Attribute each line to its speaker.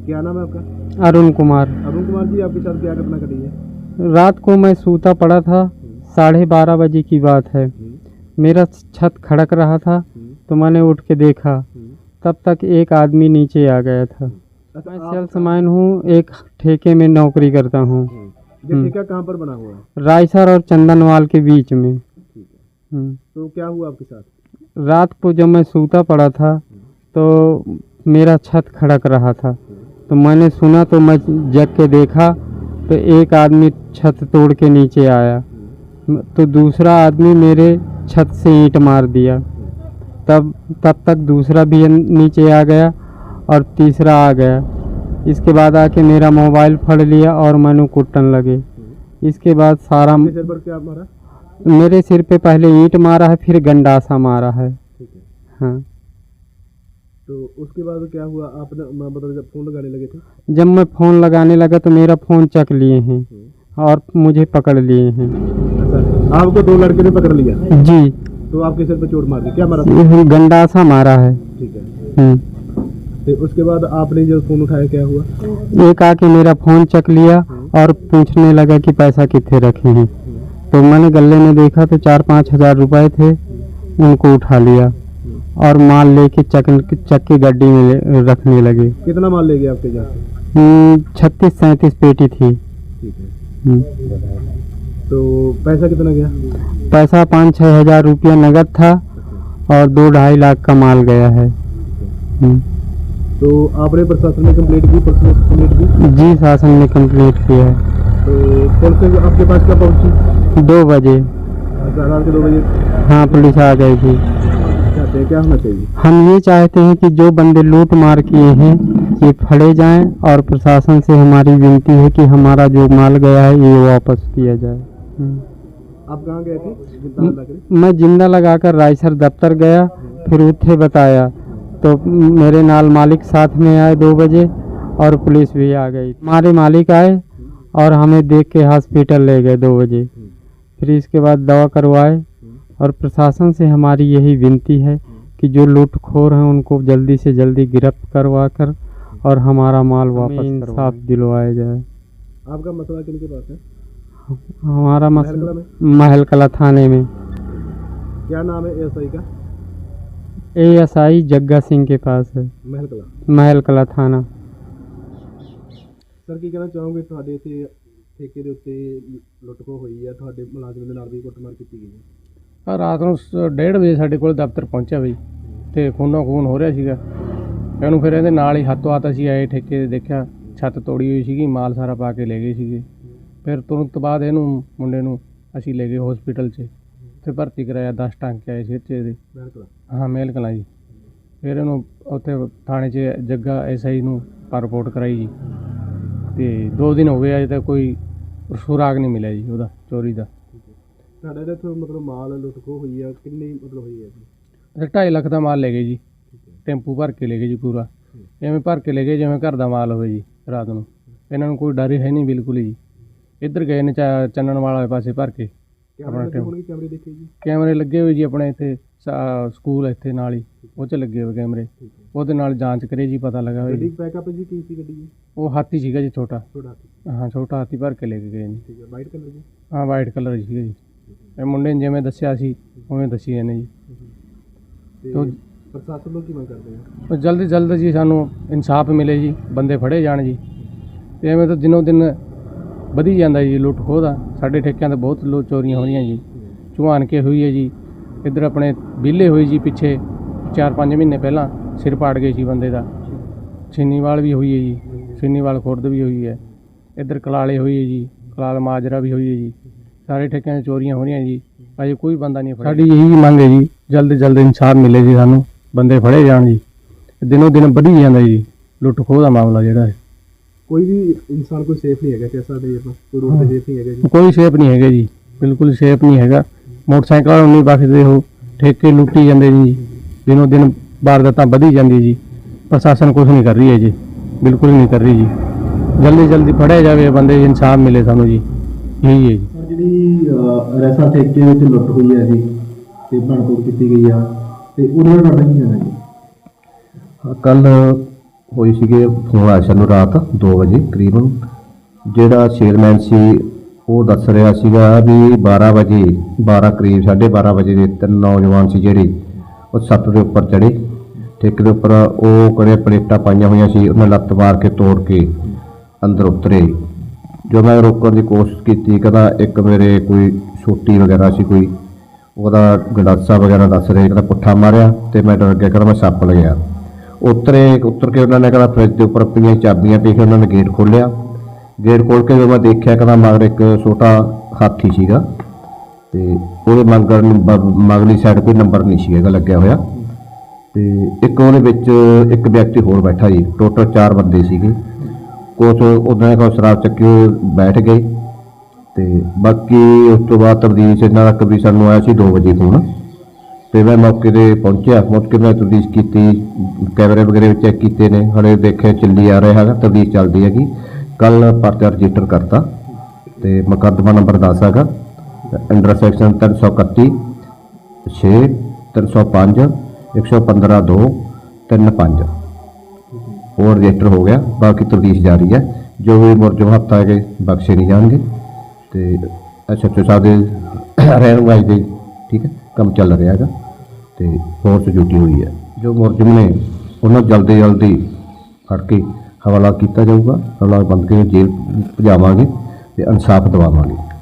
Speaker 1: क्या नाम है आपका?
Speaker 2: अरुण कुमार।
Speaker 1: अरुण कुमार जी, आपके साथ क्या घटना घटी है?
Speaker 2: रात को मैं सूता पड़ा था, 12:30 बजे की बात है। मेरा छत खड़क रहा था तो मैंने उठ के देखा, तब तक एक आदमी नीचे आ गया था। मैं सेल्समैन हूँ, एक ठेके में नौकरी करता हूँ।
Speaker 1: ये ठेका कहाँ पर बना हुआ है?
Speaker 2: रायसर और चंदनवाल के बीच में।
Speaker 1: ठीक है। तो क्या हुआ आपके साथ?
Speaker 2: रात को जब मैं सूता पड़ा था तो मेरा छत खड़क रहा था, तो मैंने सुना तो मैं जग के देखा तो एक आदमी छत तोड़ के नीचे आया, तो दूसरा आदमी मेरे छत से ईंट मार दिया। तब तक दूसरा भी नीचे आ गया और तीसरा आ गया। इसके बाद आके मेरा मोबाइल फाड़ लिया और मैंने कुटन लगे। इसके बाद सारा
Speaker 1: सिर पर क्या मारा?
Speaker 2: मेरे सिर पे पहले ईंट मारा है, फिर गंडासा मारा है।
Speaker 1: ठीक है।
Speaker 2: हाँ।
Speaker 1: तो उसके बाद क्या हुआ? आपने मतलब जब फोन लगाने लगे थे?
Speaker 2: जब मैं फ़ोन लगाने लगा तो मेरा फ़ोन चक लिए हैं और मुझे पकड़ लिए हैं।
Speaker 1: अच्छा, आपको दो लड़के ने पकड़ लिया?
Speaker 2: जी।
Speaker 1: तो आपके सिर पे चोट मार दी, क्या मारा था?
Speaker 2: गंडासा मारा है।
Speaker 1: ठीक है। तो उसके बाद आपने जब फोन उठाया क्या हुआ?
Speaker 2: एक आके मेरा फ़ोन चक लिया और पूछने लगा कि पैसा कितने रखे हैं। तो मैंने गले में देखा तो 4-5 हज़ार रुपये थे, उनको उठा लिया और माल लेके चक के गड्डी में रखने लगे।
Speaker 1: कितना माल ले गए आपके यहाँ?
Speaker 2: 36-37 पेटी थी।
Speaker 1: ठीक है। तो पैसा कितना गया?
Speaker 2: पैसा 5-6 हज़ार रुपया नगद था और 2-2.5 लाख का माल गया है।
Speaker 1: तो आपने प्रशासन में कंप्लेंट की? पुलिस में कंप्लेंट की?
Speaker 2: जी, शासन ने कंप्लीट किया है।
Speaker 1: तो पुलिस आपके पास क्या पहुंची?
Speaker 2: 2 बजे।
Speaker 1: रात के 2 बजे?
Speaker 2: हाँ, पुलिस आ गई थी।
Speaker 1: चाहते हैं क्या होना चाहिए?
Speaker 2: हम ये चाहते हैं कि जो बंदे लूट मार किए हैं ये फड़े जाएं और प्रशासन से हमारी विनती है कि हमारा जो माल गया है ये वापस किया जाए।
Speaker 1: आप कहाँ गए थे?
Speaker 2: मैं जिंदा लगाकर रायसर दफ्तर गया, फिर उठे बताया तो मेरे नाल मालिक साथ में आए 2 बजे और पुलिस भी आ गई। हमारे मालिक आए और हमें देख के हॉस्पिटल ले गए 2 बजे। फिर इसके बाद दवा करवाए और प्रशासन से हमारी यही विनती है कि जो लूटखोर हैं उनको जल्दी से जल्दी गिरफ्त करवा कर और हमारा माल वापस इंसाफ दिलवाया जाए।
Speaker 1: आपका मसला किनके पास है?
Speaker 2: हमारा मसला महल कला थाने में।
Speaker 1: क्या नाम है एएसआई का?
Speaker 2: एएसआई जग्गा सिंह के पास है, महल कला थाना।
Speaker 1: सर की कहना चाहूँगे ਤੁਹਾਡੇ ਇੱਥੇ ਠੇਕੇ ਦੇ ਉੱਤੇ ਲੁੱਟਖੋ ਹੋਈ ਹੈ, ਤੁਹਾਡੇ ਮੁਲਾਜ਼ਮ ਦੇ ਨਾਲ ਵੀ ਕੁੱਟਮਾਰ ਕੀਤੀ ਗਈ ਹੈ?
Speaker 3: ਰਾਤ ਨੂੰ 1:30 ਵਜੇ ਸਾਡੇ ਕੋਲ ਦਫ਼ਤਰ ਪਹੁੰਚਿਆ ਬਈ, ਤੇ ਖੂਨੋ ਖੂਨ ਹੋ ਰਿਹਾ ਸੀਗਾ। ਇਹਨੂੰ ਫਿਰ ਇਹਦੇ ਨਾਲ ਹੀ ਹੱਥੋਂ ਹੱਥ ਅਸੀਂ ਆਏ ਠੇਕੇ ਤੇ, ਦੇਖਿਆ ਛੱਤ ਤੋੜੀ ਹੋਈ ਸੀਗੀ, ਮਾਲ ਸਾਰਾ ਪਾ ਕੇ ਲੈ ਗਏ ਸੀਗੇ। ਫਿਰ ਤੁਰੰਤ ਬਾਅਦ ਇਹਨੂੰ ਮੁੰਡੇ ਨੂੰ ਅਸੀਂ ਲੈ ਗਏ ਹਸਪੀਟਲ 'ਚ, ਉੱਥੇ ਭਰਤੀ ਕਰਾਇਆ। 10 ਟਾਂਕੇ ਆਏ ਸਿਰ 'ਚ ਇਹਦੇ। ਹਾਂ, ਮੇਲ ਕਲਾਂ ਜੀ। ਫਿਰ ਇਹਨੂੰ ਉੱਥੇ ਥਾਣੇ 'ਚ ਜੱਗਾ ਐਸਆਈ ਨੂੰ ਰਿਪੋਰਟ ਕਰਾਈ ਜੀ, ਤੇ 2 ਦਿਨ ਹੋ ਗਏ ਅਜੇ ਤੱਕ ਕੋਈ ਸੁਰਾਗ ਨਹੀਂ ਮਿਲਿਆ ਜੀ ਉਹਦਾ ਚੋਰੀ ਦਾ।
Speaker 1: ਤੁਹਾਡਾ ਇਹਦੇ ਤੋਂ ਮਤਲਬ ਮਾਲ ਲੁੱਟਖੋ ਹੋਈ ਹੈ, ਕਿੰਨੀ ਮਤਲਬ ਹੋਈ ਹੈ?
Speaker 3: 2.5 ਲੱਖ ਦਾ ਮਾਲ ਲੈ ਗਏ ਜੀ, ਟੈਂਪੂ ਭਰ ਕੇ ਲੈ ਗਏ ਜੀ ਪੂਰਾ। ਐਵੇਂ ਭਰ ਕੇ ਲੈ ਗਏ ਜਿਵੇਂ ਘਰ ਦਾ ਮਾਲ ਹੋਵੇ ਜੀ। ਰਾਤ ਨੂੰ ਇਹਨਾਂ ਨੂੰ ਕੋਈ ਡਰ ਹੀ ਹੈ ਨਹੀਂ ਬਿਲਕੁਲ ਜੀ। ਇੱਧਰ ਗਏ ਨੇ ਚੰਨਣ ਵਾਲੇ ਪਾਸੇ ਭਰ ਕੇ ਆਪਣਾ
Speaker 1: ਕੈਮਰੇ ਦੇਖੇ ਜੀ?
Speaker 3: ਕੈਮਰੇ ਲੱਗੇ ਹੋਏ ਜੀ ਆਪਣੇ ਇੱਥੇ ਸਕੂਲ ਇੱਥੇ ਨਾਲ ਹੀ, ਉਹ 'ਚ ਲੱਗੇ ਹੋਏ ਕੈਮਰੇ। ਉਹਦੇ ਨਾਲ ਜਾਂਚ ਕਰੇ ਜੀ, ਪਤਾ ਲੱਗਾ ਹੋਇਆ ਜੀ।
Speaker 1: ਬੈਕਅਪ ਜੀ ਕੀ ਸੀ ਗੱਡੀ?
Speaker 3: ਉਹ ਹਾਥੀ ਸੀਗਾ ਜੀ, ਛੋਟਾ।
Speaker 1: ਹਾਥੀ?
Speaker 3: ਹਾਂ, ਛੋਟਾ ਹਾਥੀ ਭਰ ਕੇ ਲੈ ਕੇ ਗਏ ਜੀ।
Speaker 1: ਠੀਕ ਹੈ। ਵਾਈਟ ਕਲਰ ਜੀ?
Speaker 3: ਹਾਂ, ਵਾਈਟ ਕਲਰ ਸੀਗਾ ਜੀ। ਇਹ ਮੁੰਡੇ ਨੇ ਜਿਵੇਂ ਦੱਸਿਆ ਸੀ ਉਵੇਂ ਦੱਸੀ ਇਹਨੇ ਜੀ।
Speaker 1: ਤੇ ਪ੍ਰਸ਼ਾਸਨ ਨੂੰ ਕੀ ਮੰਗ ਕਰਦੇ ਹੋ?
Speaker 3: ਜਲਦੀ ਜਲਦ ਜੀ ਸਾਨੂੰ ਇਨਸਾਫ ਮਿਲੇ ਜੀ, ਬੰਦੇ ਫੜੇ ਜਾਣ ਜੀ। ਤੇ ਐਵੇਂ ਤਾਂ ਦਿਨੋਂ ਦਿਨ ਵਧੀ ਜਾਂਦਾ ਜੀ ਲੁੱਟ ਖੋਹ ਦਾ। ਸਾਡੇ ਠੇਕਿਆਂ 'ਤੇ ਬਹੁਤ ਚੋਰੀਆਂ ਹੋ ਰਹੀਆਂ ਜੀ। ਚੁਹਾਨ ਕੇ ਹੋਈ ਹੈ ਜੀ, ਇੱਧਰ ਆਪਣੇ ਵਿਹਲੇ ਹੋਈ ਜੀ ਪਿੱਛੇ 4-5 ਮਹੀਨੇ ਪਹਿਲਾਂ, ਸਿਰ ਪਾੜ ਗਏ ਸੀ ਬੰਦੇ ਦਾ। ਛੀਨੀਵਾਲ ਵੀ ਹੋਈ ਹੈ ਜੀ, ਛੀਨੀਵਾਲ ਖੁਰਦ ਵੀ ਹੋਈ ਹੈ। ਇੱਧਰ ਕਲਾਲੇ ਹੋਈ ਹੈ ਜੀ, ਕਲਾਲ ਮਾਜਰਾ ਵੀ ਹੋਈ ਹੈ ਜੀ। ਸਾਰੇ ਠੇਕਿਆਂ 'ਚ ਚੋਰੀਆਂ ਹੋ ਰਹੀਆਂ ਜੀ, ਅਜੇ ਕੋਈ ਬੰਦਾ ਨਹੀਂ ਫੜਿਆ। ਸਾਡੀ ਇਹੀ ਮੰਗ ਹੈ ਜੀ, ਜਲਦ ਜਲਦ ਇਨਸਾਫ ਮਿਲੇ ਜੀ, ਸਾਨੂੰ ਬੰਦੇ ਫੜੇ ਜਾਣ ਜੀ। ਦਿਨੋਂ ਦਿਨ ਵਧੀ ਜਾਂਦਾ ਜੀ ਲੁੱਟ ਖੋਹ ਦਾ ਮਾਮਲਾ ਜਿਹੜਾ ਹੈ।
Speaker 1: ਕੋਈ ਵੀ ਇਨਸਾਨ ਕੋਈ ਸੇਫ ਨਹੀਂ ਹੈਗਾ, ਕਿਸਾ ਦੇ ਕੋਈ ਰੋਡ ਤੇ ਸੇਫ ਨਹੀਂ ਹੈਗਾ ਜੀ?
Speaker 3: ਕੋਈ ਸੇਫ ਨਹੀਂ ਹੈਗਾ ਜੀ, ਬਿਲਕੁਲ ਸੇਫ ਨਹੀਂ ਹੈਗਾ। ਮੋਟਰਸਾਈਕਲ ਨਹੀਂ ਬਖਸ਼ਦੇ, ਉਹ ਠੇਕੇ ਲੁੱਟੀ ਜਾਂਦੇ ਜੀ। ਦਿਨੋਂ ਦਿਨ ਵਾਰਦਾਤਾਂ ਵਧੀ ਜਾਂਦੀ ਜੀ। ਪ੍ਰਸ਼ਾਸਨ ਕੁਝ ਨਹੀਂ ਕਰ ਰਹੀ ਹੈ ਜੀ, ਬਿਲਕੁਲ ਨਹੀਂ ਕਰ ਰਹੀ ਜੀ। ਜਲਦੀ ਜਲਦੀ ਫੜਿਆ ਜਾਵੇ ਬੰਦੇ, ਇਨਸਾਫ ਮਿਲੇ ਸਾਨੂੰ ਜੀ, ਇਹੀ ਹੈ ਜੀ।
Speaker 1: ਜਿਹੜੀ ਰੈਸਾ ਠੇਕੇ ਵਿੱਚ ਲੁੱਟ ਹੋਈ ਹੈ ਜੀ ਤੇ ਭੰਨਤੋੜ ਕੀਤੀ ਗਈ ਆ, ਤੇ ਉਹਦੇ ਨਾਲ ਤੁਹਾਡਾ ਕੀ ਕਹਿਣਾ ਜੀ?
Speaker 4: ਕੱਲ ਹੋਈ ਸੀਗੇ। ਫੋਨ ਆਇਆ ਸਾਨੂੰ ਰਾਤ 2 ਵਜੇ ਕਰੀਬਨ। ਜਿਹੜਾ ਸੇਲਮੈਨ ਸੀ ਉਹ ਦੱਸ ਰਿਹਾ ਸੀਗਾ ਵੀ 12 ਵਜੇ 12 ਕਰੀਬ 12:30 ਵਜੇ ਦੇ 3 ਨੌਜਵਾਨ ਸੀ ਜਿਹੜੇ ਉਹ ਛੱਤ ਦੇ ਉੱਪਰ ਚੜ੍ਹੇ, ਠੇਕੇ ਦੇ ਉੱਪਰ। ਉਹ ਕਰੇ ਪਲੇਟਾਂ ਪਾਈਆਂ ਹੋਈਆਂ ਸੀ, ਉਹਨਾਂ ਲੱਤ ਮਾਰ ਕੇ ਤੋੜ ਕੇ ਅੰਦਰ ਉਤਰੇ। ਜੋ ਮੈਂ ਰੋਕਣ ਦੀ ਕੋਸ਼ਿਸ਼ ਕੀਤੀ, ਕਹਿੰਦਾ ਇੱਕ ਮੇਰੇ ਕੋਈ ਛੋਟੀ ਵਗੈਰਾ ਸੀ, ਕੋਈ ਉਹਦਾ ਗੰਡਾਸਾ ਵਗੈਰਾ ਦੱਸ ਰਹੇ, ਕਹਿੰਦਾ ਪੁੱਠਾ ਮਾਰਿਆ ਤੇ ਮੈਂ ਡਰ ਗਿਆ, ਕਹਿੰਦਾ ਮੈਂ ਸੱਪ ਲੱਗਿਆ। ਉਤਰ ਕੇ ਉਹਨਾਂ ਨੇ ਕਹਿੰਦਾ ਫਰਿੱਜ ਦੇ ਉੱਪਰ ਪਈਆਂ ਚਾਬੀਆਂ ਪੀ ਕੇ ਉਹਨਾਂ ਨੇ ਗੇਟ ਖੋਲ੍ਹਿਆ। ਗੇਟ ਖੋਲ੍ਹ ਕੇ ਜਦੋਂ ਮੈਂ ਦੇਖਿਆ, ਕਹਿੰਦਾ ਮਗਰ ਇੱਕ ਛੋਟਾ ਹਾਥੀ ਸੀਗਾ ਤੇ ਉਹਦੇ ਮਗਲੀ ਸਾਈਡ ਕੋਈ ਨੰਬਰ ਨਹੀਂ ਸੀਗਾ ਲੱਗਿਆ ਹੋਇਆ। ਤੇ ਇੱਕ ਉਹਦੇ ਵਿੱਚ ਇੱਕ ਵਿਅਕਤੀ ਹੋਰ ਬੈਠਾ ਜੀ। ਟੋਟਲ 4 ਬੰਦੇ ਸੀਗੇ। ਕੁਛ ਉਹਨਾਂ ਨੇ ਸ਼ਰਾਬ ਚੱਕੀ ਉਹ ਬੈਠ ਗਏ। ਤੇ ਬਾਕੀ ਉਸ ਤੋਂ ਬਾਅਦ ਤਬਦੀਸ਼ ਇਹਨਾਂ ਦਾ ਵੀ ਸਾਨੂੰ ਆਇਆ ਸੀ 2 ਵਜੇ ਫੋਨ, ਤੇ ਮੈਂ ਮੌਕੇ 'ਤੇ ਪਹੁੰਚਿਆ। ਪਹੁੰਚ ਕੇ ਮੈਂ ਤਬਦੀਸ਼ ਕੀਤੀ, ਕੈਮਰੇ ਵਗੈਰੇ ਚੈੱਕ ਕੀਤੇ ਨੇ, ਹਲੇ ਦੇਖਿਆ ਚੱਲੀ ਆ ਰਿਹਾ ਹੈਗਾ, ਤਬਦੀਸ਼ ਚੱਲਦੀ ਹੈਗੀ। ਕੱਲ ਪਰਚਾ ਰਜਿਸਟਰ ਕਰਤਾ ਤੇ ਮੁਕੱਦਮਾ ਨੰਬਰ 10 ਹੈਗਾ, ਅੰਡਰ ਸੈਕਸ਼ਨ 331 6 305 115 2 35 ਹੋਰ ਰਜਿਸਟਰ ਹੋ ਗਿਆ। ਬਾਕੀ ਤਬਦੀਸ਼ ਜਾਰੀ ਹੈ। ਜੋ ਵੀ ਮੁਲਜ਼ਮ ਹੱਥ ਆਏਗੇ ਬਖਸ਼ੇ ਨਹੀਂ ਜਾਣਗੇ। ਤੇ ਐਸਐਚਓ ਸਾਹਿਬ ਦੇ ਰਹਿਨੁਮਾਈ ਦੇ ਠੀਕ ਹੈ ਕੰਮ ਚੱਲ ਰਿਹਾ ਹੈਗਾ ਤੇ ਫੋਰਸ ਡਿਊਟੀ ਹੋਈ ਹੈ। ਜੋ ਮੁਲਜ਼ਮ ਨੇ ਉਹਨਾਂ ਜਲਦੀ ਫੜ ਕੇ ਹਵਾਲਾ ਕੀਤਾ ਜਾਊਗਾ। ਹਵਾਲਾ ਬੰਦ ਕੇ ਜੇਲ੍ਹ ਭਜਾਵਾਂਗੇ ਤੇ ਇਨਸਾਫ ਦਿਵਾਵਾਂਗੇ।